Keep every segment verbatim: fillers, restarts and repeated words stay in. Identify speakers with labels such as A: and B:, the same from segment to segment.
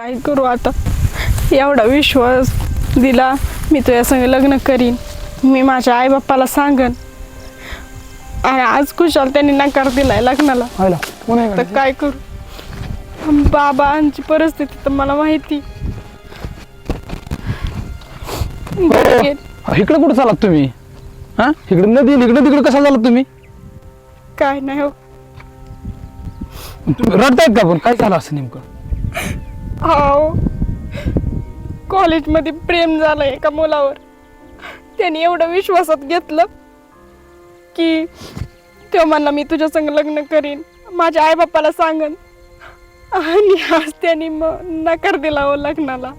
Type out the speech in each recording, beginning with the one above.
A: काय करू आता? एवढा विश्वास दिला, मी तुझ्या संग लग्न करीन, मी माझ्या आई बाप्पाला सांगन, आणि आज कुशाल त्यांनी नकार दिलाय लग्नाला. तर काय करू? बाबांची परिस्थिती तर मला माहिती.
B: इकडे कुठं चालात तुम्ही? हा, इकडे नदी इकडे तिकडे कसा चालात तुम्ही?
A: काय नाही हो.
B: तुम्ही रडतायत का? पण काय झालं असं नेमकं?
A: हो, कॉलेजमध्ये प्रेम झालं एका मुलावर. त्याने एवढं विश्वासात घेतलं की तो म्हणला मी तुझ्या संग लग्न करीन, माझ्या आई बाप्पाला सांगन, आणि आज त्याने मग नकार दिला हो लग्नाला.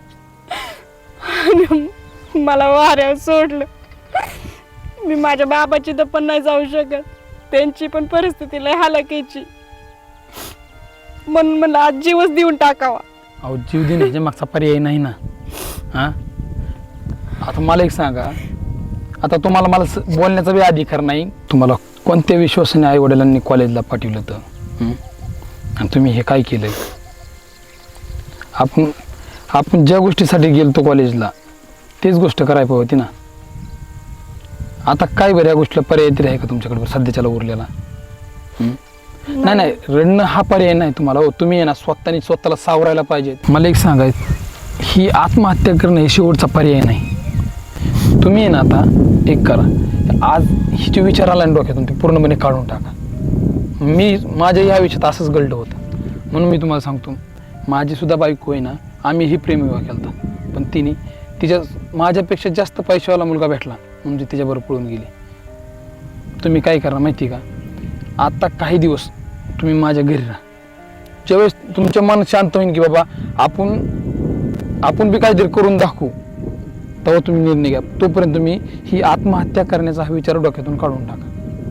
A: आणि मला वाऱ्यावर सोडलं. मी माझ्या बाबाची तर पण नाही जाऊ शकत, त्यांची पण परिस्थिती लय हालाकीची, म्हणून मला आज जीवच देऊन टाकावा.
B: अहो, जीव देण्याच्या मागचा पर्याय नाही ना. हा, आता मला एक सांगा, आता तुम्हाला मला बोलण्याचा बी अधिकार नाही. तुम्हाला कोणत्या विश्वासाने आई वडिलांनी कॉलेजला पाठवलं तर, आणि तुम्ही हे काय केलंय? आपण आपण ज्या गोष्टीसाठी गेलतो कॉलेजला तेच गोष्ट करायला होती ना. आता काय बरं या गोष्टीला पर्याय तरी आहे का तुमच्याकडे सध्याच्याला उरलेला? नाही नाही, रडणं हा पर्याय नाही तुम्हाला. हो, तुम्ही आहे ना स्वतःने स्वतःला सावरायला पाहिजे. मला एक सांगायचं, ही आत्महत्या करणं हे शेवटचा पर्याय नाही. तुम्ही आहे ना आता एक करा, आज ही जे विचार आला ना डोक्यातून ते पूर्णपणे काढून टाका. मी माझ्या ह्या विषयात असंच गळलं होतं, म्हणून मी तुम्हाला सांगतो, माझी सुद्धा बायको आहे ना, आम्ही ही प्रेमविवाह केला होता, पण तिने तिच्या माझ्यापेक्षा जास्त पैशावाला मुलगा भेटला म्हणजे तिच्याबरोबर पळून गेली. तुम्ही काय करा माहिती का, आता काही दिवस तुम्ही माझ्या घरी राहा. ज्यावेळेस तुमचं मन शांत होईल की बाबा आपण आपण बी काहीतरी करून दाखवू, तेव्हा तुम्ही निर्णय घ्या. तोपर्यंत तुम्ही ही आत्महत्या करण्याचा हा विचार डोक्यातून काढून टाका.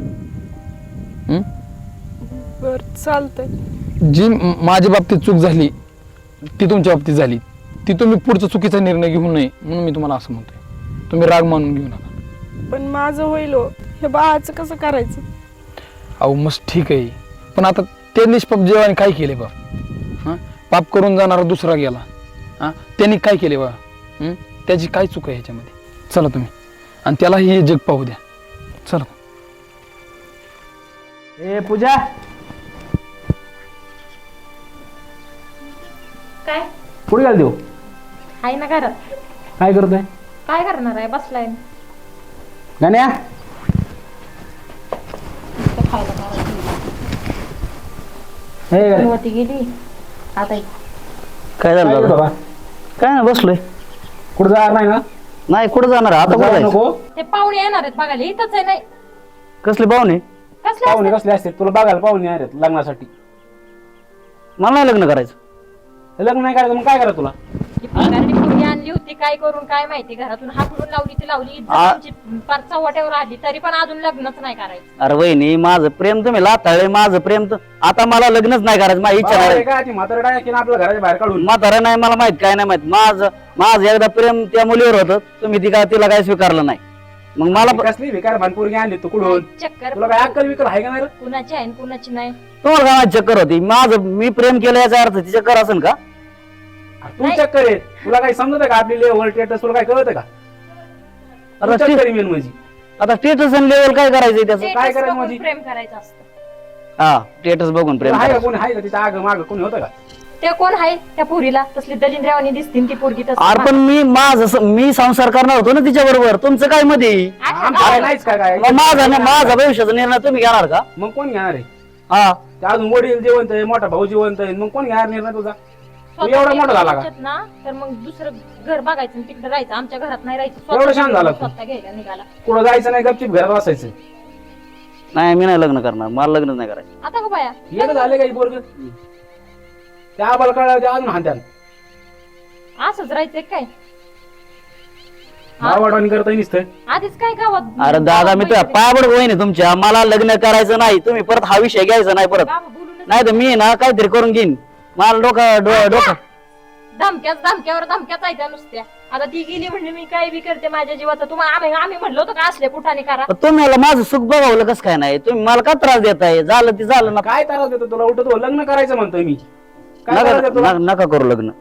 A: बर, चालतंय.
B: जी माझ्या बाबतीत चूक झाली ती तुमच्या बाबतीत झाली, ती तुम्ही पुढचा चुकीचा निर्णय घेऊ नये म्हणून मी तुम्हाला असं म्हणतोय. तुम्ही राग मानून घेऊ नका.
A: पण माझं होईल हो, हे बाळाचं कसं करायचं?
B: अहो मस्त ठीक आहे, पण आता ते निष्पाप जीवाने काय केले बा? हां, पाप करून जाणारा दुसरा गेला. हां, त्यांनी काय केले बा? त्याची काय चूक आहे ह्याच्यामध्ये? चला तुम्ही, आणि त्याला हे जग पाहू द्या. चला.
C: ए पूजा,
D: काय
C: पुढे घाल देऊ.
D: आहे ना घरात.
C: काय करतोय?
D: काय करणार आहे? बसलाय.
C: गाण्या, हे गाण्या.
D: होती गेली आता.
E: काय झालं
C: काय
E: दादा?
C: बाबा?
E: काय नाही, बसलोय.
C: कुठं जाणार नाही ना?
E: नाही, कुठं जाणार आहे? आता
C: जाऊ
E: बोलायचं.
C: नको.
D: ते पाहुणे येणार आहेत बघायला, इथंच आहे. नाही
E: कसले पाहुणे?
D: कसले
C: पाहुणे
D: असतात?
C: कसले असते? तुला बघायला पाहुणे आहेत लग्नासाठी.
E: मला नाही लग्न करायचं.
C: हे लग्न नाही करायचं मग काय करा तुला?
D: ती भिंगारडी पोरगी आणली होती, काय करून काय माहिती, घरातून हाकलून लावली ती लावली, इज्जत
E: आ-
D: आमची पार चव्हाट्यावर आली, तरी पण अजून लग्नच नाही करायचं.
E: अरे वहिनी, माझं प्रेम तुम्ही लाथाळे, माझं प्रेम तर आता मला लग्नच नाही करायचं. माझी इच्छा
C: बाबा, हे
E: नाही.
C: काय ती म्हातारं डायरेक्ट की आपल्या घराच्या बाहेर काढून.
E: म्हातारा नाही, मला माहित काय नाही माहित. माझं माझं एकदा प्रेम त्या मुलीवर होतं, तुम्ही ती काय तिला काय स्वीकारलं नाही. मग मला प-
C: कसली भिकार भानपोरगी आणली तू कुठून?
D: चक्कर
C: तुला काय अक्कल विकल आहे का नाही रे?
D: कुणाची आहे आणि कुणाची नाही.
E: तुम्हाला काय माझी चक्कर होती? माझं मी प्रेम केलं याचा अर्थ ती चक्कर असेल का?
C: तू चक्कर आहे, तुला काही समजत का? आपली लेवल स्टेटस तुला काय कळत का?
E: आता
C: तू चक्कर
E: ते-
C: आहे मेन म्हणजे.
E: आता स्टेटस आणि लेवल काय करायचंय त्याचं?
D: Status
C: काय करायचं
D: बघून
C: माझी?
D: प्रेम करायचं असतं.
E: हा, स्टेटस बघून प्रेम
C: तुला आहे का
E: करायचं.
C: कोणी? आहे का तिच्या आग माग कोणी होतं का?
D: ते कोण आहे त्या पोरीला? तसली दलिंद्रावानी दिसतील ती पोरगी. तसं
E: अरे पण मी माझं स- मी संसार करणार होतो ना तिच्या बरोबर. तुमचं काय मध्ये?
D: अच्छा,
C: आमचं काय
D: गावाला.
C: नाहीच काय काय?
E: मग माझा ना- माझा भविष्याचा निर्णय तुम्ही घेणार का?
C: मग कोण घेणार आहे?
E: हा,
C: ते अजून वडील जिवंत आहे, मोठा भाऊ जिवंत आहे, मग कोण घेणार निर्णय तुझा? तू
D: स्वतः
C: एवढा मोठा झाला का?
D: घ्यायच्यात ना, तर मग दुसरं घर बघायचं आणि तिकडे राहायचं. आमच्या घरात नाही राहायचं.
C: एवढं
D: स्वतः
C: शांत झाला तू?
D: स्वतः घ्यायला निघाला.
C: कुठं जायचं नाही, गपचिप घरात बसायचं.
E: नाही मी नाही लग्न करणार. मला लग्न नाही करायचं.
D: आता का बाया
C: येणं झाले काही पोरग त्या आबाला कळलं ते अजून हात्यान
D: असंच राहायचंय काय?
C: भावाडवाणी करता नुसतं.
D: आधीच काय गावात
E: अरे दादा, मी तुझ्या पायापड होईन तुमच्या. मला लग्न करायचं नाही. तुम्ही परत हा विषय घ्यायचा नाही परत.
D: बाबा बोलूनच
E: नाही तर मी ना काहीतरी करून घेईन. मला डोकं डो- डोकं
D: धमक्याच धमक्यावर धमक्याच आहे त्या नुसत्या. आता ती गेली म्हणजे मी काय बी करते माझ्या जीवाचं. तुम्हाला आम्ही आम्ही म्हणलो होतो का असले कुठाने करा.
E: पण तुम्ही मला माझं सुख बघावलं कसं काय नाही? तुम्ही मला का त्रास देताय? झालं ते झालं ना.
C: काय त्रास देतो तुला? उठतो लग्न करायचं म्हणतोय मी. काय त्रास
E: नका
C: देतो तुला?
E: नका- नका करू लग्न.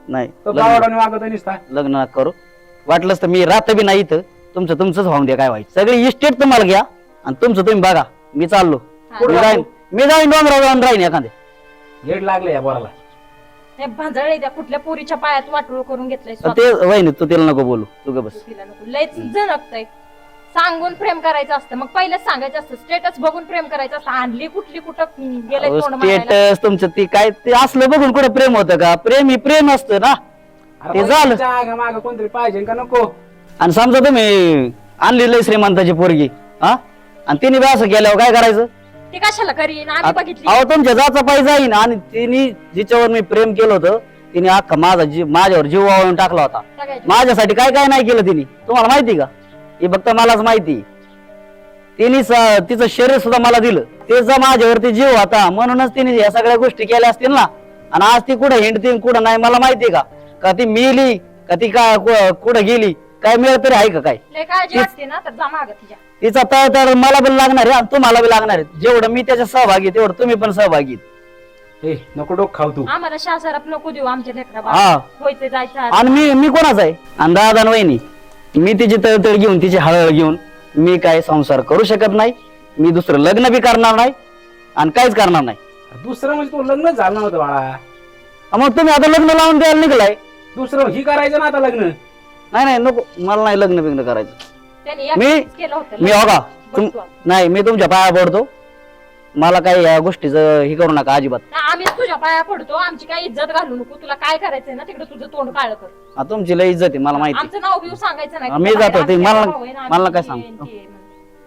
E: नाही
C: तो
E: लग्न
C: गावाडाने वागत निसता.
E: लग्न नका करू. वाटलंच तर मी राहत बी नाही इथं, तुमचं तुमचंच होऊन द्या, काय व्हायचं. सगळी इस्टेट तुम्हाला घ्या आणि तुमचं तुम्ही बघा. मी चाललो.
D: हा.
E: मी जाईन मी जाईन डोंगरावर जाऊन राहीन एखादे.
C: हेड लागले या पोराला.
D: हे भांजळे त्या कुठल्या पोरीच्या पायात वाटोळ करून घेतलंय
E: ते
D: स्वतः.
E: वहिनी तू तिला नको बोलू, तू ग बस.
D: तिला नको. लयच झणकतंय. सांगून प्रेम करायचं असतं, मग पहिलेच सांगायचं असतं. स्टेटस बघून प्रेम करायचं असतं. आणली कुठली कुठं गेलंय तोंड मारायला.
E: स्टेटस तुमचं ती काय ते असलं बघून कुठं प्रेम होतं का? प्रेम ही प्रेम असतं ना.
C: अरे
E: ते झालं.
C: माग माग कोणतरी पाहिजे का नको.
E: आणि समजा तुम्ही आणली लय श्रीमंताची पोरगी, हा, आणि तिने बी असं केल्यावर काय करायचं?
D: ती कशाला करीन आम्ही बघितली.
E: अहो तुमच्या जाचा पाय जाईन. आणि तिने जिच्यावर मी प्रेम केलं होतं तिने अख्खा माझा जीव माझ्यावर जीव वाळून टाकला होता.
D: सगळ्याची.
E: माझ्यासाठी काय काय नाही केलं तिने, तुम्हाला माहिती का? हे फक्त मलाच माहिती. तिने स- तिचं शरीर सुद्धा मला दिलं. तिचा माझ्यावरती जीव होता म्हणूनच तिने या सगळ्या गोष्टी केल्या असतील ना. आणि आज ती कुठं हिंडती कुठं नाही मला माहिती का? का ती मिली का ती का कु- कुठं गेली काय मिळत तरी आहे का काय?
D: लय काळजी वाटते ना तर जा मागं तिच्या.
E: तिचा तळ तर मला पण लागणार आहे आणि तुम्हाला बी लागणार आहे. जेवढं मी त्याच्या सहभागी तेवढं तुम्ही पण सहभागी आहेत.
C: ए नको डोक खाऊ तू.
D: आम्हाला शासराप नको देऊ आमच्या लेकरा
E: हा.
D: व्हायचं जायचं आहे.
E: आणि मी मी कोणाचा आहे? आणि दादा आणि वहिनी मी तिची तळतळ घेऊन तिची हळहळ घेऊन मी काय संसार करू शकत नाही. मी दुसरं लग्न बी करणार नाही आणि काहीच करणार नाही.
C: दुसरं म्हणजे तू लग्न झालं नव्हतं बाळा.
E: मग तुम्ही आता लग्न लावून द्यायला निघलाय.
C: दुसरं ही करायचं ना आता लग्न.
E: नाही नाही नको मला नाही लग्न बिग्न करायचं.
D: त्यांनी
E: मी-
D: एकटीच केलं होतं.
E: मी हो का तुम
D: बघतो.
E: नाही मी तुमच्या पाया पडतो. मला काही या गोष्टीचं हे करू नका अजिबात.
D: आम्ही तुझ्या पाया पडतो. आमची काय इज्जत घालू नको. तुला काय करायचंय ना तिकडे तुझं तोंड काळ कर.
E: हा, तुमची लय इज्जत आहे मला माहिती.
D: आमचं नाव बिव सांगायचं नाही.
E: हा, मी
D: तुझ्या
E: जातो.
D: बाहेर
E: ते
D: आमच्या
E: मला-
D: भाऊ आहे ना,
E: मला
D: आम्ही
E: काय
D: हे
E: सांग.
D: आणि ते आहे.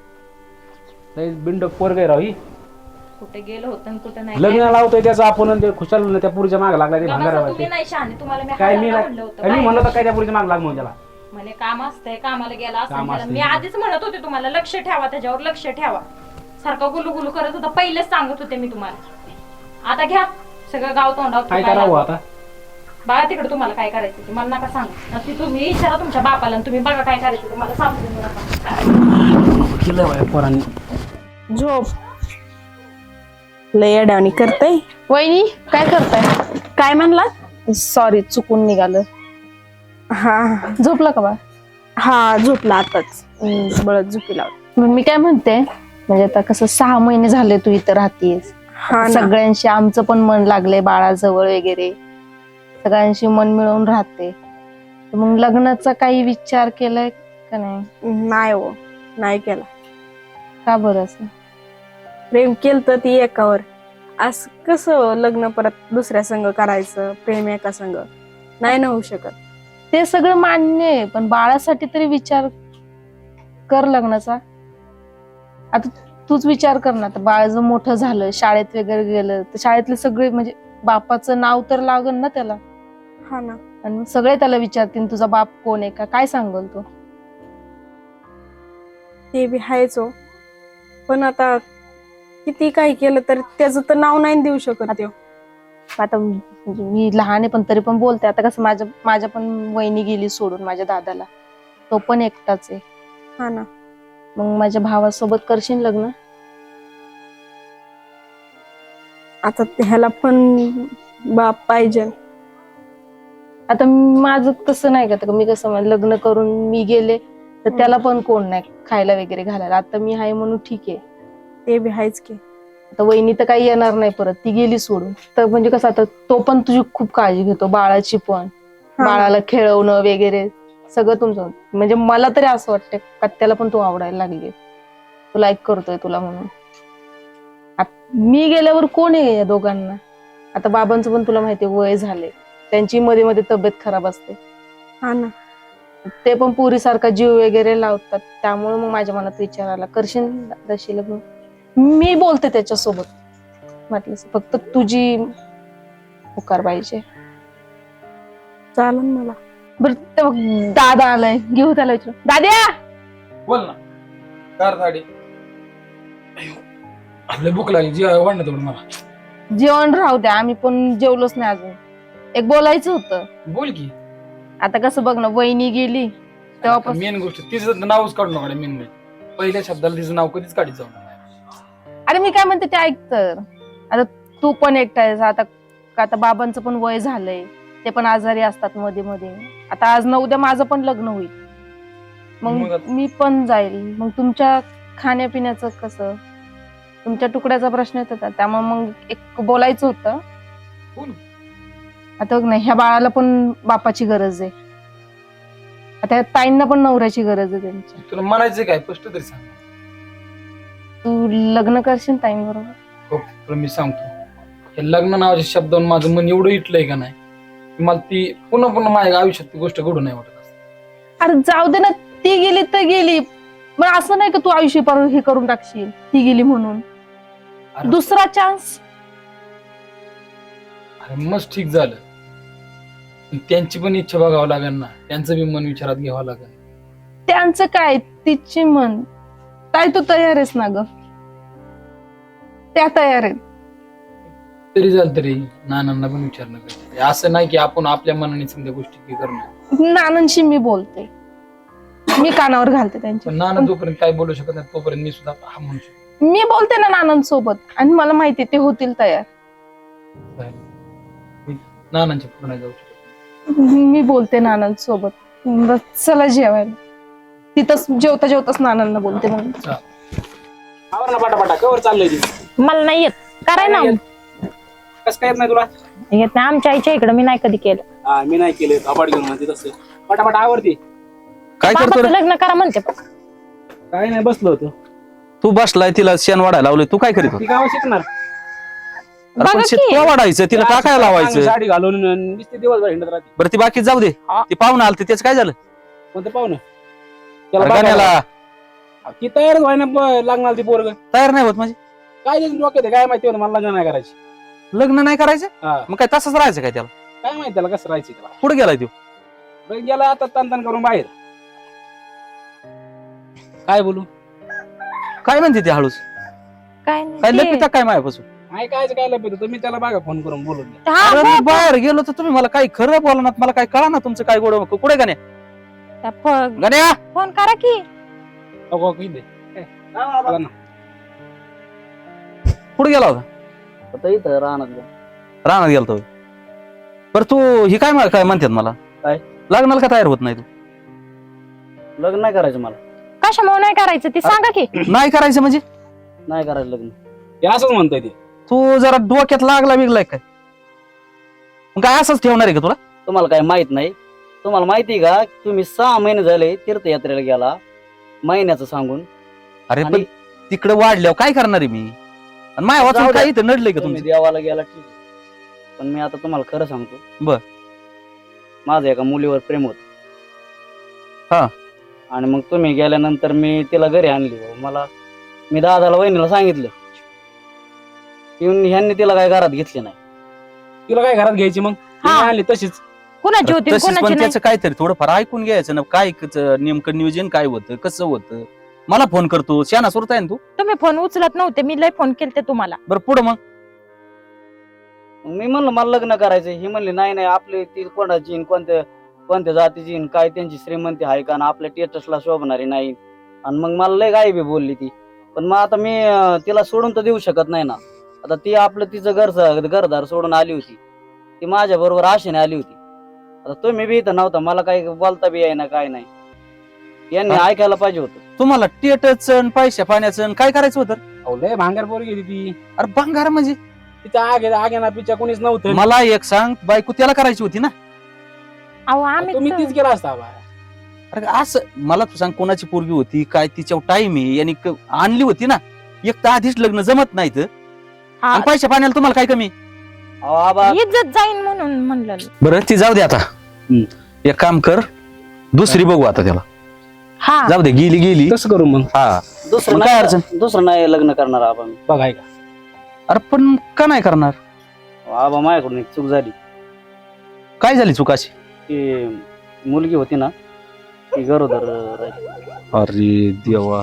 C: लय बिंडक पोरग आहे राव ही.
D: कुठे गेलं होतं आणि कुठे नाही.
C: लग्न लावतोय त्याचं आपण आणि ते खुशाल त्या पुरीच्या माग लागला ते
D: बाबा,
C: भांगारा
D: तुम्ही नाही शहाणे. तुम्हाला मी
C: काय मी
D: हजारदा
C: नाही
D: म्हणलं होतं.
C: काय मी
D: बाहेर
C: म्हणलं तर काय त्या पुरीच्या माग लाग म्हणून त्याला.
D: म्हणे काम असतंय कामाला गेला असं
C: काम
D: गेला.
C: असतंय.
D: मी आधीच म्हणत होते तुम्हाला लक्ष ठेवा त्याच्यावर लक्ष ठेवा. सारखा गुलू गुलू करत होता. पहिलेच सांगत होते मी तुम्हाला. आता घ्या सगळं गाव तोंडावर
C: काय
D: तुपायला.
C: करावं आता?
D: बघा तिकडे तुम्हाला काय करायचं ते मला नका सांगू. ती तुम्ही विचारा तुमच्या बापाला आणि तुम्ही बघा काय करायचं ते मला सांगू देऊ नका.
C: केलं बाय पोरांनी.
A: झोप लय अडावणी करताय.
F: वहिनी काय करताय?
A: काय म्हणला?
F: सॉरी चुकून निघालं.
A: हा
F: झोपला का बा?
A: हा झोपला आताच. हम्म, बळत झोपी लावली.
F: मग मी काय म्हणते म्हणजे आता कसं सहा महिने झाले तू इथं राहतेस.
A: हा ना.
F: सगळ्यांशी आमचं पण मन लागलंय बाळाजवळ वगैरे. सगळ्यांशी मन मिळवून राहते. तर मग लग्नाचा काही विचार केलाय का नाही?
A: नाही हो नाही केला.
F: का बरं असं?
A: प्रेम केलं तर ती एकावर. असं कसं लग्न परत दुसऱ्या संघ करायचं? प्रेम एका संघ नाही ना होऊ शकत.
F: ते सगळं मान्य आहे पण बाळासाठी तरी विचार कर लग्नाचा. आता तूच विचार कर ना. आता बाळ जर मोठं झालं शाळेत वगैरे गेलं तर शाळेतले सगळे म्हणजे बापाचं नाव तर लागल ना त्याला.
A: हा ना.
F: आणि मग सगळे त्याला विचारतील तुझा बाप कोण आहे का काय सांगल तो.
A: ते बी हायच हो. पण आता किती काही केलं तर त्याचं तर नाव नाही देऊ शकत त्यो.
F: आता म्हणजे मी लहान आहे पण तरी पण बोलते. आता कसं माझ्या माझ्या पण वहिनी गेली सोडून माझ्या दादाला. तो पण एकटाच आहे.
A: हा ना.
F: मग माझ्या भावासोबत करशील लग्न?
A: आता ह्याला पण बाप पाहिजे.
F: आता माझं तसं नाही का मी कसं म्हणजे लग्न करून मी गेले तर त्याला पण कोण नाही खायला वगैरे घालायला. आता मी आहे म्हणून ठीक आहे.
A: ते बी हायच की.
F: आता वहिनी तर काही येणार नाही परत. ती गेली सोडून. तर म्हणजे कसं आता तो पण तुझी खूप काळजी घेतो बाळाची पण.
A: हा.
F: बाळाला खेळवणं वगैरे सगळं तुमचं. म्हणजे मला तरी असं वाटतं का त्याला पण तू आवडायला लागली. तो लाईक करतोय तुला म्हणून. आत- मी गेल्यावर कोण आहे या दोघांना? आता बाबांचं पण तुला माहितीये वय झाले. त्यांची मध्ये मध्ये तब्येत खराब असते.
A: हा ना.
F: ते पण पुरीसारखा जीव वगैरे लावतात. त्यामुळे मग माझ्या मनात विचार आला करशील दादाशी लग्न? मी बोलते त्याच्यासोबत. म्हटलं फक्त तुझी होकार पाहिजे.
A: चालन मला.
F: बरं ते बघ, दादा आलाय घेऊ त्याला विचारू. दाद्या
B: बोल ना. कार साडी आपल्या भूक लागली जी वाढणं तेवढं मला.
F: जेवण राहू द्या आम्ही पण जेवलोच नाही अजून. एक बोलायचं होतं.
B: बोल की.
F: आता कसं बघ ना वहिनी गेली तेव्हापासून.
B: मेन गोष्ट तिचं नावच काढू नका. मेन म्हणजे पहिल्या शब्दाला तिचं नाव कधीच काढीत जाऊ नका.
F: अरे मी काय म्हणते ते ऐक तर. आता तू पण एकटा आहेस. आता आता बाबांचं पण वय झालंय. ते पण आजारी असतात मध्ये मध्ये. आता आज न उद्या माझं पण लग्न होईल,
B: मग
F: मग
B: आता-
F: मी पण जाईल. मग तुमच्या खाण्यापिण्याचं कसं, तुमच्या तुकड्याचा प्रश्न येत होता, त्यामुळे मग एक बोलायचं होतं.
B: बोल.
F: आता बघ ना, ह्या बाळाला पण बापाची गरज आहे. आता ह्या ताईंना पण नवऱ्याची गरज आहे त्यांची.
B: तुला म्हणायचं काय स्पष्ट तरी सांग.
F: तू लग्न करशील ताईंबरोबर?
B: हो, तुला मी सांगतो, हे लग्न नावाच्या शब्दावरून माझं मन एवढं इटलंय का नाही की मला ती पुन्हा पुन्हा माझ्या आयुष्यात ती गोष्ट घडू नाही वाटत असं.
F: अरे जाऊ दे ना, ती गेली तर गेली. मग असं नाही का तू आयुष्य पर हे करून टाकशील ती गेली म्हणून.
B: अरे-
F: दुसरा चान्स.
B: अरे मस्त ठीक झालं, पण त्यांची पण इच्छा बघावं लागेल ना, त्यांचं बी मन विचारात घ्यावं लागेल.
F: त्यांचं काय, तिची मन. ताई तू तयार आहेस ना ग? त्या तयार आहेत.
B: तरी झालं तरी नानांना पण विचारणं गरजेचं आहे. असं नाही की आपण आपल्या मनाने समजा गोष्टी करणं.
F: नानांशी मी बोलते, मी कानावर घालते त्यांच्या.
B: पण नाना जोपर्यंत काय बोलू शकत नाही तोपर्यंत मी सुद्धा हा म्हणू शकतो.
F: मी बोलते ना नानांसोबत, आणि मला माहिती ते होतील तयार.
B: मी नानांच्या पुढे नाही जाऊ शकत.
F: मी बोलते नानांसोबत. बस चला जेवायला. तिथंच जेवता जेवताच नानांना बोलते मग.
C: आवर ना पाटापाटा, कवर चाललंय ती
D: मला नाही येत, कराय ना.
C: कसं काय येत नाही तुला?
D: येत नाही, आमच्या आईच्या इकडे मी नाही कधी केलं.
C: हा मी नाही केले, कपाट घेऊन म्हणते तसं. पटापटा आवरती.
G: काय करतो
D: बाबाचं
G: रे?
D: लग्न करा म्हणते पण.
C: काय नाही, बसलो होतो.
G: तू बसलाय, तिला शेण वाढायला लावलंय, तू काय करीत होता?
C: ती गाव शिकणार.
G: अरे पण
D: बघा
G: शेत
D: की.
G: तुला वाढायचं, तिला टाकायला
C: चांगली
G: लावायचं.
C: साडी घालून नुसते दिवसभर हिंडत राहते.
G: बरं ती बाकी जाऊ दे, ती पाहुणं आलते त्याचं काय झालं?
C: कोणतं पाहुणं?
G: अरे
C: त्याला
G: गाण्याला
C: बघायला- ती तयारच व्हायना, ब- लागणार ती पोरग.
G: तयार नाही होत म्हणजे
C: काय त्याची डोक्यात आहे, काय माहिती होतं, मला लग्न नाही करायची.
G: लग्न नाही करायचं,
C: हा
G: मग काय तसंच राहायचं काय त्याला?
C: काय माहिती त्याला कसं राहायचं त्याला.
G: पुढे गेलाय तो.
C: बरं, गेला आता तन तन करून बाहेर. काय बोलू?
G: काय म्हणते ती हळूच?
D: काय
G: काय
D: नाही
G: लपिता काय मायापासून?
C: काय काय काय लपेत होतं, मी त्याला बघा फोन करून बोलून घ्या.
D: ते- हा,
G: अरे
D: बघ,
G: मी बाहेर गेलो तर तुम्ही मला काही खरं बोला ना, मला काय कळा ना तुमचं काय गोड. कुठे गाण्या
D: त्या फ-
G: गाण्या
D: फोन करा की.
C: अगो, किती दे. ए, चला ना.
G: कुठे गेला होता?
E: आता इथं राहणार का?
G: रानात गेलतो. बरं तू ही काय मा- काय म्हणतात मला?
E: काय?
G: लग्नाला का तयार होत नाही तू?
E: लग्न नाही करायचं मला.
D: कशामुळे नाही करायचं ते सांगा की.
G: नाही करायचं म्हणजे
E: नाही करायचं लग्न.
C: हे असंच म्हणतोय ते.
G: तू जरा डोक्यात लागला बिगलाय काय? मग काय असंच ठेवणार आहे का तुला?
E: तुम्हाला काय माहित नाही? तुम्हाला माहिती आहे का, तुम्ही सहा महिने झाले तीर्थयात्रेला गेला महिन्याचं सांगून.
G: अरे पण
E: आणि
G: तिकडे वाढल्यावर काय करणार आहे मी? आणि माया वाचून
E: जाऊ द्या.
G: काय इथं नडलंय का
E: तुम्ही
G: तुमचं?
E: देवाला गेला ठीक आहे, पण मी आता तुम्हाला खरं सांगतो.
G: बर.
E: माझं एका मुलीवर प्रेम होत.
G: हा.
E: आणि मग तुम्ही गेल्यानंतर मी तिला घरी आणली. मला मी दादाला वहिनीला सांगितलं, येऊन ह्यांनी तिला काय घरात घेतली नाही.
C: तिला काय घरात घ्यायची मग?
D: हा.
C: तिने आणली तशीच.
D: कुणाची होती
G: तशीच
D: कुणाची
G: पण
D: नाही.
G: त्याचं काहीतरी थोडंफार ऐकून घ्यायचं ना, काय क- नेमकं नियोजन काय होतं, कसं होतं. मला फोन करतो, शाना सुरत आहे ना तू.
D: तुम्ही फोन उचलत नव्हते, मी लय फोन केलते तुम्हाला.
G: बरं पुढं मग
E: मग मी म्हणलं मला लग्न करायचं. ही म्हणली नाही नाही, आपली ती कोणाची न कोणत्या कोणत्या जातीची न काय त्यांची श्रीमंती आहे का, न आपल्या टेटसला शोभणारी नाही. आणि मग मला लय गाई बी बोलली ती. पण मग आता मी अं, तिला सोडून तर देऊ शकत नाही ना. आता ती आपलं तिचं घर घरदार सोडून आली होती. ती माझ्या बरोबर आशेने आली होती. आता तुम्ही बी इथं नव्हता, मला काही बोलता बी ना काय नाही. यांनी
G: हा.
E: ऐकायला पाहिजे होतं.
G: तुम्हाला टेटच पैशा पाण्याचं काय करायचं होतं?
C: अहो, लय भांगार पोरगी होती ती.
G: अरे भंगार म्हणजे
C: तिच्या आगे आगे ना पिच्या कोणीच नव्हतं.
G: मला एक सांग, बायको त्याला करायची होती ना.
D: अहो आम्ही
C: तुम्ही तीच केला असता बा.
G: अरे असं मला तू सांग, कोणाची पोरगी होती काय, तिच्यावर टाइम आहे यांनी क- आणली होती ना. एक तर आधीच लग्न जमत नाही तर,
D: हा,
G: आणि पैशा पाण्याला तुम्हाला काय कमी?
E: अहो, आबा
D: इज्जत जाईन म्हणून म्हणलं.
G: बरं ती जाऊ दे आता. एक काम कर, दुसरी बघू आता त्याला.
D: हा
G: जाऊ दे, गेली गेली.
C: कसं करू मग?
G: हा
E: दुसरं
G: मग काय
E: नाही
G: अडचण?
E: दुसरं नाही लग्न करणार आबा मी.
C: बघाय का?
G: अरे पण का नाही करणार?
E: अहो, आबा माझ्याकडून एक चूक झाली.
G: काय झाली चुकाशी?
E: की मुलगी होती ना, ती गरोदर राहिली.
G: अरे देवा,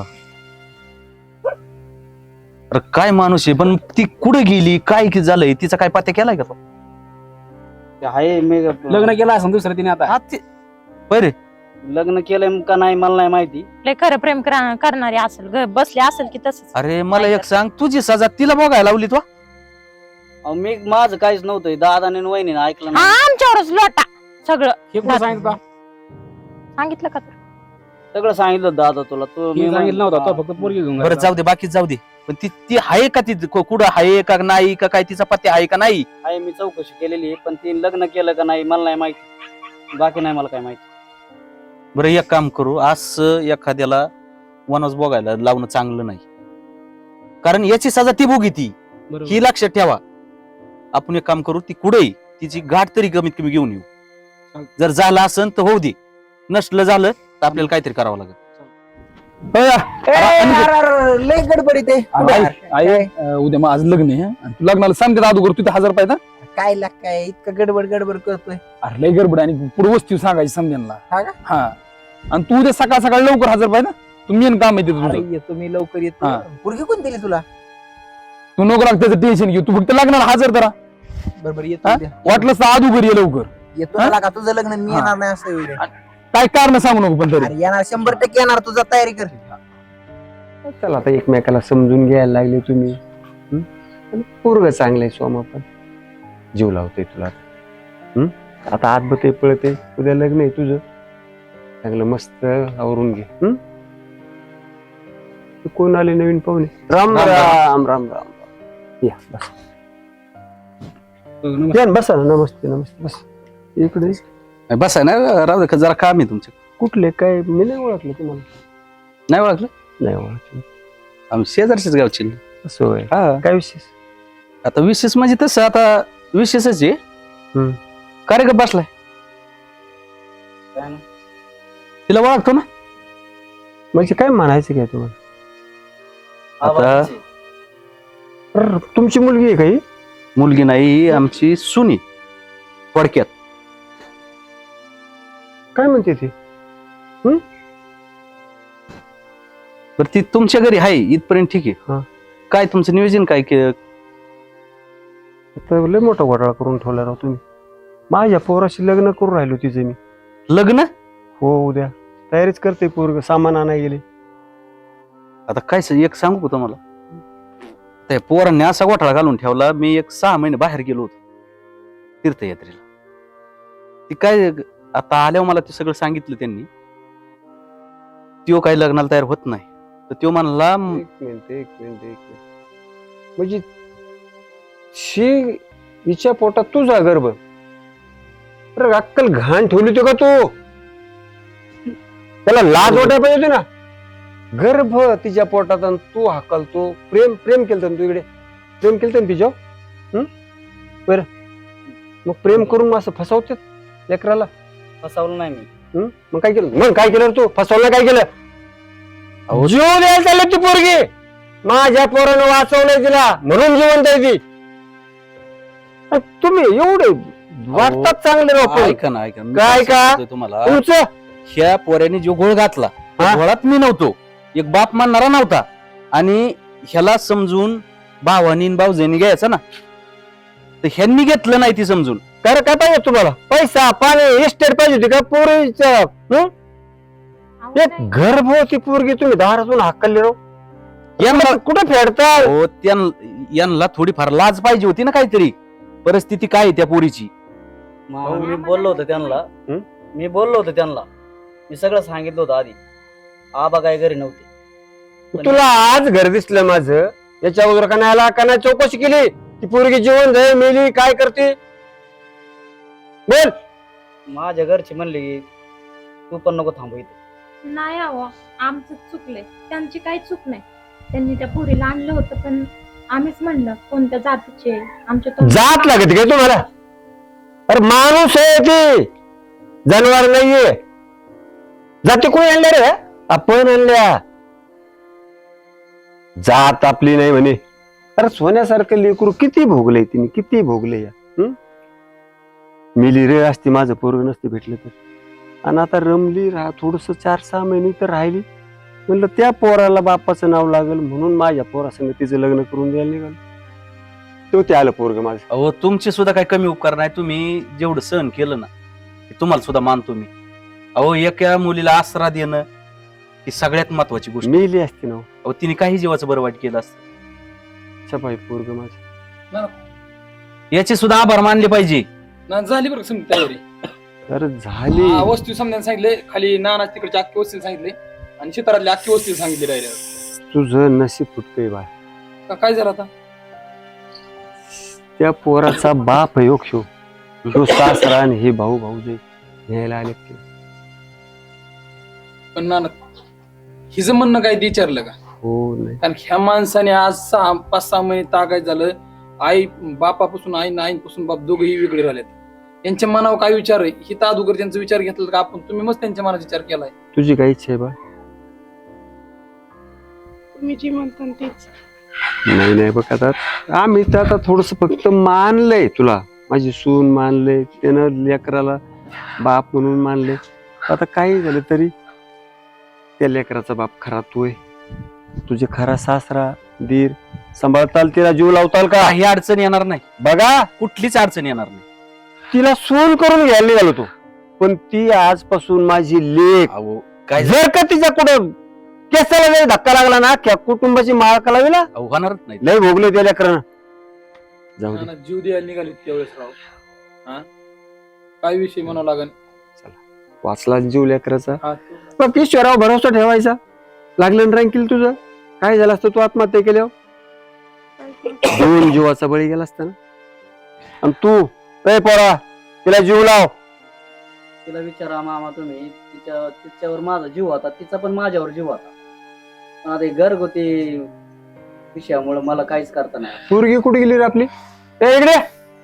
G: अरे काय माणूस आहे. पण ती कुठे गेली, काय की झालंय, तिचा काय पत्ता केलाय का तो?
E: ते आहे मी
C: लग्न केलं असं दुसरं तिने आता.
G: हा, ते- बरे
E: लग्न केलंय का नाही मला नाही माहिती.
D: लय खरं प्रेम करा- करणारी असेल, ग- बसले असेल की तसंच.
G: अरे मला एक सांग, तुझी सजा तिला बघायला लावली तू?
E: अहो, मी माझं काहीच नव्हतं दादाने आणि वहिनीने ऐकलं
D: हा
E: नाही
D: आमच्यावरच लोटा सगळं
C: हे कुठं सांगितलं का?
D: सांगितलं का तुला?
E: सगळं सांगितलं दादा तुला तू
C: मी सांगितलं नव्हतं तो फक्त पोरगी घेऊन
G: बरं
C: गेला.
G: जाऊ दे बाकी जाऊ दे पण ती ती आहे का ती कु- कुठं आहे का नाही का काय तिचा पत्ते आहे का नाही
E: आहे मी चौकशी केलेली आहे, पण ती लग्न केलं का नाही मला नाही माहिती, बाकी नाही मला काय माहिती.
G: बरं एक काम करू असं एखाद्याला वनस बघायला लावणं चांगलं नाही कारण याची सजा ती भोगी ती
C: बरोबर.
G: ही लक्षात ठेवा. आपण एक काम करू ती कुठेही तिची गाठ तरी कमीत कमी घेऊन येऊ. जर झालं असेल तर होऊ दे, नसलं झालं तर आपल्याला काहीतरी करावं लागेल.
H: लय गडबड ते
B: आई आई, अं, उद्या माझं लग्न आहे आणि तू लग्नाला सांगते अगोदर तू हजार पाहिजे
H: काय लाग काय इतकं गडबड गडबड करतोय.
B: अरे लय गडबड आहे आणि पुढे वस्तू सांगायची समजेनला.
H: हा का?
B: हा आणि तू उद्या सकाळ सकाळ लवकर हजर पाहिजे ना, तू मेन काम आहे ते
H: अरे
B: तुझं.
H: येतो मी लवकर येतो.
B: हा.
H: पोरगी कोण दिली तुला?
B: तू नको लाग त्याचं टेन्शन घेऊ, तू फक्त लग्नाला हजर करा.
H: बरोबर येतो
B: हा?
H: उद्या.
B: वाटलंच तर आदू घरी ये लवकर.
H: येतो
B: हा?
H: मला का तुझं लग्न मी
B: हा.
H: येणार नाही असं होईल.
B: काय कारण सांगू नको पण तरी.
H: अरे येणार शंभर टक्के येणार, तुझा तयारी कर.
I: चला आता एकमेकाला समजून घ्यायला लागले तुम्ही. हं? आणि पोरग चांगलंय सोमा पण जीव लावतोय तुला. हं? आता आत बते पळते, उद्या लग्न आहे तुझं, चांगलं मस्त आवरून घे. हं? तू कोण आले नवीन पाहुणे? राम
G: राम,
I: राम राम राम. या बस या ना, बसा ना. नमस्ते नमस्ते बस इकडे.
G: बस आहे ना राहू दे जरा काम आहे तुमचं.
I: कुठले काय मी नाही ओळखलं तुम्हाला.
G: नाही ओळखलं?
I: नाही ओळखलं.
G: आम्ही शेजारचीच गावची.
I: असं होय.
G: हा
I: काय विशेष?
G: आता विशेष म्हणजे तसं आता विशेषच आहे.
I: हम्म.
G: कार्यक्रम बसलाय
E: काय ना?
G: तिला ओळखतो ना.
I: म्हणजे काय म्हणायचं काय तुम्हाला?
E: आता
I: अरे, तुमची मुलगी आहे काही?
G: मुलगी नाही आमची सुनी थोडक्यात.
I: काय म्हणते ती?
G: बरं ती तुमच्या घरी आहे इथपर्यंत ठीक
I: हा.
G: आहे. काय तुमचं नियोजन काय केलं?
I: आता लय मोठा घोटाळा करून ठेवला राव तुम्ही. माझ्या पोराशी लग्न करून राहिलो तिचे मी.
G: लग्न?
I: हो उद्या तयारीच करते पोरग, सामान आणाय गेले.
G: आता काय स- एक सांगू का तुम्हाला, त्या पोरांनी असा घोटाळा घालून ठेवला. मी एक सहा महिने बाहेर गेलो होतो तीर्थयात्रेला. ती काय आता आल्यावर मला ते सगळं सांगितलं त्यांनी. त्यो काही लग्नाला तयार होत नाही तर त्यो म्हणला
I: एक मिनिट एक मिनिट एक मिनिट म्हणजे शी हिच्या पोटात तुझा गर्भ. अरे अक्कल घाण ठेवली होती का तू? त्याला लाज वाटायला पाहिजे होती ना. गर्भ तिच्या पोटात आणि तू हाकलतो. प्रेम प्रेम केलं ना तू इकडे, प्रेम केलं ना तिच्या. हम्म बर मग प्रेम करून असं फसवतात लेकराला.
E: फसवलं नाही मी.
I: हम्म? मग काय केलं? मग काय केलं रे तू? फसवलं काय केलं?
G: अहो,
I: जीव द्यायला चालली ती पोरगी. माझ्या पोरानं वाचवलंय तिला म्हणून जिवंत आहे ती. अरे तुम्ही एवढे वाटतात चांगले राव पण.
G: ऐका ना ऐका ना. मी
I: काय का?
G: सांगतोय तुम्हाला,
I: तुमचं
G: ह्या पोऱ्याने जो गोळ घातला त्या
I: हा?
G: गोळात मी नव्हतो, एक बाप मानणारा नव्हता. आणि ह्याला समजून भावानी भाऊजाईनी घ्यायचं ना, तर ह्यांनी घेतलं नाही ती समजून.
I: काय रे, काय पाहिजे तुम्हाला? पैसा पाणी इस्टेट पाहिजे होती का पोरीचं? एक गर्भ होती पोरगी, तुम्ही दारातून हाकलली राव.
G: यांना
I: कुठं फेडता?
G: हो, त्यां- यांना थोडीफार लाज पाहिजे होती ना काहीतरी. परिस्थिती काय आहे त्या पोरीची?
E: मग मी बोललो होतो त्यांना.
I: हं?
E: मी बोललो होतो त्यांना. मी सगळं सांगितलं होतं आधी. आबा काय घरी नव्हते.
I: तुला आज घर दिसलं माझं, याच्या अगोदर का नाही का नाही चौकशी केली? ती पोरगी जिवंत आहे मेली काय करते? बोल.
E: माझ्या घरची म्हणले की तू पण नको थांबू इथे.
D: नाही अहो, आमचं चुकलंय, त्यांची काही चूक नाही. त्यांनी त्या पोरीला आणलं होतं पण आम्हीच म्हणलं कोणत्या जातीचे आमच्या तोंडात-
I: जात लागते काय तुम्हाला? अरे माणूस आहे ती, जनावर नाहीये. जाती कोणी आणल्या रे? आपण आणल्या. जात आपली नाही म्हणे. अरे सोन्यासारखं लेकरू किती भोगलंय तिने, किती भोगले या. हं? मिली रे असती माझं पोरग नसते भेटलं तर. आणि आता रमली राहा थोडस चार सहा महिने तर राहिली. म्हणलं त्या पोराला बापाचं नाव लागल म्हणून माझ्या पोरासंग तिचं लग्न करून द्यायला निघाल. तो ते आलं पोरग माझं.
G: अहो तुमचे सुद्धा काही कमी उपकार नाही. तुम्ही जेवढं सहन केलं ना ते तुम्हाला सुद्धा मानतो मी. अहो एका मुलीला आसरा देणं ही सगळ्यात महत्वाची गोष्ट.
I: मेली असती ना.
G: अहो तिने काही जीवाचं बरं वाईट केलं असतं.
I: छपाई पोरग माझं.
G: याची सुद्धा आभार मानले पाहिजे.
B: ना झाली बरं का समजा तयारी.
I: तर झाली
B: हा, वस्तू समजायला सांगितले, खाली नाना तिकडच्या अख्खी वस्तीला सांगितले आणि शितारातल्या अख्खी वस्तीला सांगितले डायरेक्ट.
I: तुझं नशीब फुटकंय बाय.
B: काय झालं आता?
I: त्या पोराचा बाप योग शो जो सासरा आणि हे भाऊ भाऊ जे न्यायला आले ते.
B: पण नाना हिचं म्हणणं काय ते विचारलं का?
I: हो नाही
B: कारण ह्या माणसाने आज सहा पाच सहा महिने तागायत झालं. आई बापापासून आई आईपासून बाप दोघेही वेगळे राहिलेत. त्यांच्या मनावर काय विचार आहे ही तर अगोदर त्यांचा विचार घेतला का आपण? तुम्ही मस्त त्यांच्या मनाचा विचार केलाय.
I: तुझी काय इच्छा आहे बा?
A: तुम्ही जी म्हणता तेच.
I: नाही नाही बघ आता आम्ही तर आता थोडस फक्त मानलंय तुला. माझी सून मानले, त्यानं लेकराला बाप म्हणून मानले. आता काही झालं तरी त्या लेकराचा बाप खरा तू आहे. तुझे खरा सासरा दीर सांभाळताल, तिला जीव लावताल का?
G: काही अडचण येणार नाही,
I: बघा
G: कुठलीच अडचण येणार नाही.
I: तिला सून करून घ्यायला निघालो तो, पण ती आजपासून माझी लेक.
G: अहो काय
I: जर का तिच्या कुठं केसाला जरी धक्का लागला ना त्या कुटुंबाची माळ कलावीला
G: अहो, होणारच नाही.
I: लय भोगले त्या लेकरानं. जाऊ दे
B: नाना जीव द्यायला निघाले त्यावेळेस राव. हा काय विषय म्हणावं लागेल.
I: वाचला जीव लेकराचा.
B: हा,
I: फक्त ईश्वरावर भरोसा ठेवायचा. लागलं ना रांकील तुझं काय झालं असतं? तू आत्महत्या केल्यावर दोन जीवाचा बळी गेला असता ना. आणि तू ए पोरा तिला जीव लाव.
E: तिला विचारा मामा तुम्ही, तिच्या तिच्यावर माझा जीव होता, तिचा पण माझ्यावर जीव होता. पण आता हे घरगुती विषयामुळे मला काहीच करता नाही.
I: पोरगी कुठे गेली रे आपली? ए, इकडे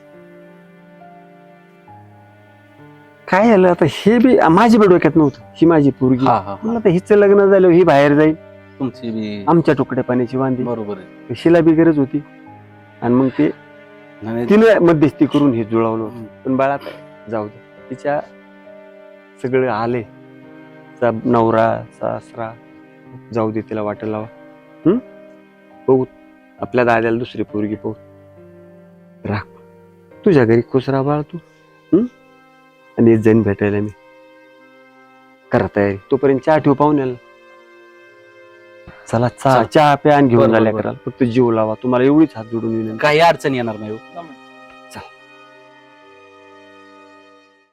I: काय झालं आता? हे बी माझी बी डोक्यात नव्हतं. ही माझी पोरगी.
G: हा हा
I: मला तर हिचं लग्न झालं ही बाहेर जाईल,
G: तुमची बी
I: आमच्या तुकड्या पाण्याची वांदी.
G: बरोबर आहे.
I: शिला बी गरज होती आणि मग ते
G: नाही,
I: तिने मध्यस्थी करून हे जुळवलं होतं.
G: हम्म.
I: पण बाळा जाऊ दे, तिच्या सगळं आले चा नवरा सासरा जाऊ दे, तिला वाट लावा. हम्म बघू आपल्या दाद्याला दुसरी पोरगी पाहू. राख तुझ्या घरी खुश राहा बाळा तू. हम्म आणि येत जाईन भेटायला मी. करा तयारी तोपर्यंत चहा ठेव पाहुण्याला. चला चहा चहा प्या आणि घेऊन
G: बरोबर,
I: झाल्या
G: बरोबर.
I: कराल. फक्त जीव लावा. तुम्हाला एवढीच हात जोडून विनंती.
G: काही अडचण येणार नाही हो.
B: जमा.